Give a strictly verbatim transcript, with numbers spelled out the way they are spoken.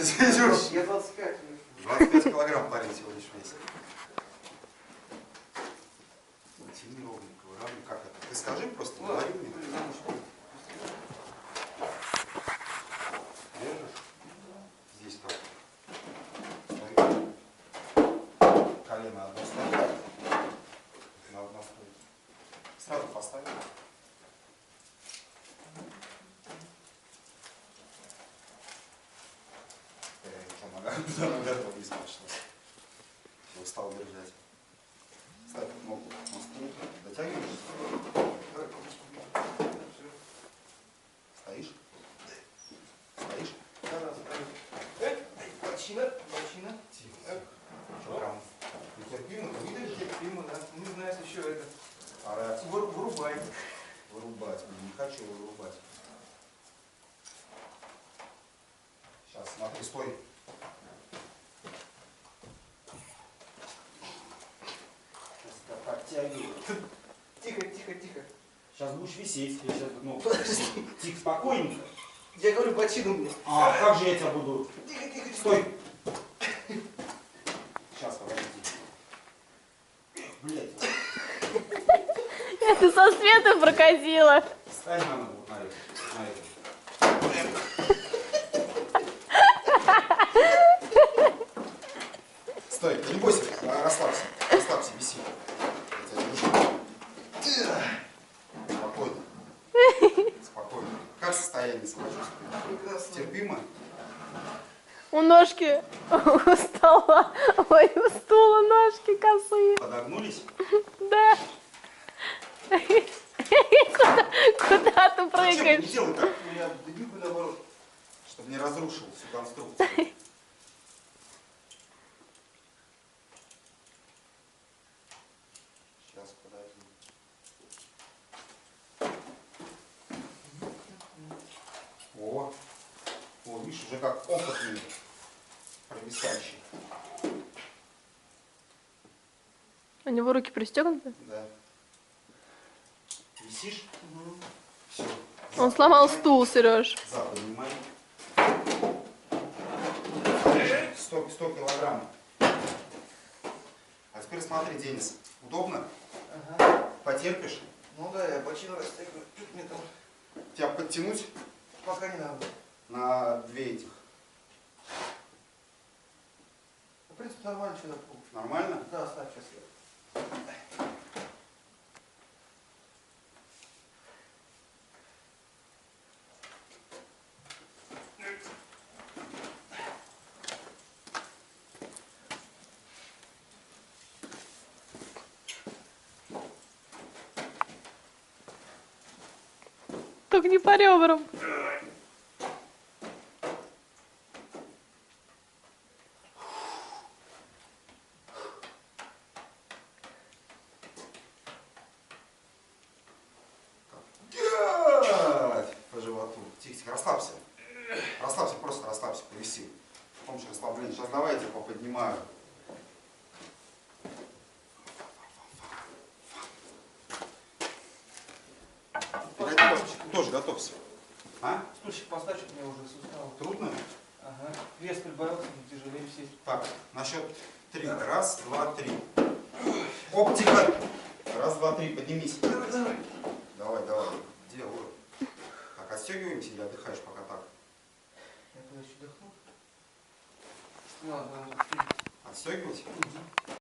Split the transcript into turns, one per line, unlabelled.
Разведешь.
Я двадцать пять.
двадцать пять килограмм парень всего лишь весит. Тяни ровненько, выравнивай. Как это? Ты скажи просто, говори мне. Держишь? Здесь как? Колено одно ставь. На одно стоит. Сразу поставь. Нога готова не спрашивалась. Устал держать. Ставь ногу на стул. Дотягиваешься? Стоишь? Стоишь?
Да, да, стою. Эх, бочина, бочина.
Тихо. Что прям нетерпимо? Ты видишь?
Терпимо, да. Не знаю, если еще это.
Орать.
Вырубай.
Вырубать. Не хочу вырубать. Сейчас, смотри, стой. Подтягивай.
Тихо, тихо, тихо.
Сейчас будешь висеть. Я сейчас, ну, тихо, спокойненько.
Я говорю, бочину мне.
А, как же я тебя буду?
Тихо, тихо,
Стой. Сейчас, подожди. Блять.
Это со света проказила.
Стань на ногу, вот на это. На это. Стой, не бойся, расслабься. Расслабься, виси. Спокойно. Спокойно. Как состояние самочувствия? Терпимо?
У ножки у стола, ой, у стула ножки косые.
Подогнулись?
Да. Куда, куда ты
Зачем? Не
прыгаешь?
делай так,
У меня двигаю наоборот.
чтобы не разрушил всю конструкцию. Сейчас, подожди. О, о, видишь, уже как опытный провисающий.
У него руки пристегнуты?
Да. Висишь?
Угу.
Все.
Он сломал стул, Сереж.
Зад поднимай. сто, сто килограмм. А теперь смотри, Денис. Удобно?
Ага.
Потерпишь?
Ну да, я бочину растягиваю. Чуть мне там.
Тебя подтянуть
Пока не надо.
на две этих.
В принципе, нормально, что такое.
Нормально?
Да, ставь сейчас я.
Только не по ребрам.
По животу. Тихо, тихо, расслабься. Расслабься, просто расслабься, повиси. С помощью расслабления. Сейчас давай я тебя поподнимаю. Тоже готовься. А?
Стульчик поставь, что мне уже сустав.
Трудно?
Ага. Вес прибавился, не тяжелее сесть.
Так, на счет три. Раз, два, три. Оптика. Раз, два, три. Поднимись.
Давай, давай.
Давай, давай. Делаю. Так, отстегиваемся или отдыхаешь пока так?
Я тогда еще дохну. Ладно, ладно.
Отстегивать?
Угу.